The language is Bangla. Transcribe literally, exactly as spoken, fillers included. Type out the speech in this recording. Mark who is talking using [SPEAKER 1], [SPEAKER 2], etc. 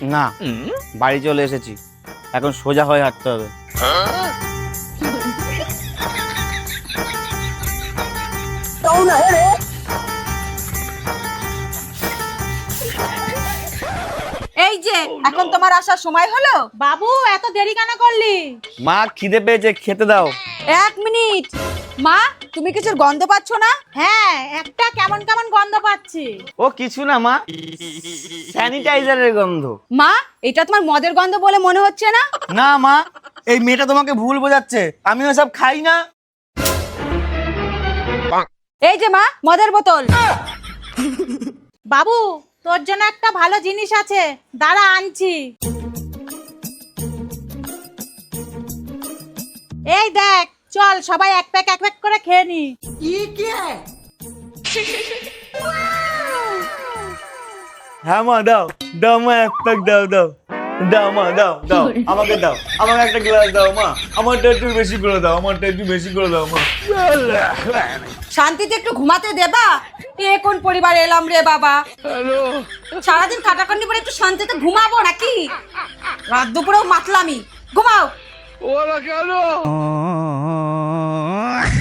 [SPEAKER 1] না, বাড়ি চলে এসেছি, এখন সোজা হয়ে হাঁটতে হবে।
[SPEAKER 2] এই যে এখন তোমার আসার সময় হলো।
[SPEAKER 3] বাবু এত দেরি কেন করলি?
[SPEAKER 1] মা খিদে পেয়েছে, খেতে দাও।
[SPEAKER 2] এক মিনিট মা, তুমি কিছুর গন্ধ পাচ্ছ না?
[SPEAKER 3] হ্যাঁ, একটা কেমন কেমন গন্ধ পাচ্ছি।
[SPEAKER 1] ও কিছু না মা, স্যানিটাইজারের গন্ধ।
[SPEAKER 2] মা, এটা তোমার মদের গন্ধ বলে মনে হচ্ছে না?
[SPEAKER 1] না মা, এই মেয়েটা তোমাকে ভুল বোঝাচ্ছে, আমি ওসব খাই না।
[SPEAKER 2] এই যে মা, মদের বোতল।
[SPEAKER 3] বাবু তোর জন্য একটা ভালো জিনিস আছে, দাঁড়া আনছি। এই দেখ, চল সবাই এক প্যাক এক প্যাক করে খেয়ে নি।
[SPEAKER 1] হ্যাঁ মা, দাও দাও মা, এক প্যাক দাও দাও দাও মা, দাও দাও আমাকে দাও, আমাকে একটা গ্লাস দাও মা, আমারটা একটু বেশি করে দাও, আমারটা একটু বেশি করে দাও মা।
[SPEAKER 2] শান্তিতে একটু ঘুমাতে দেবা? এ কোন পরিবারে এলাম রে বাবা। সারাদিন খাটাখাটনি করে একটু শান্তিতে ঘুমাবো নাকি? রাত দুপুরেও মাতলামি। ঘুমাও।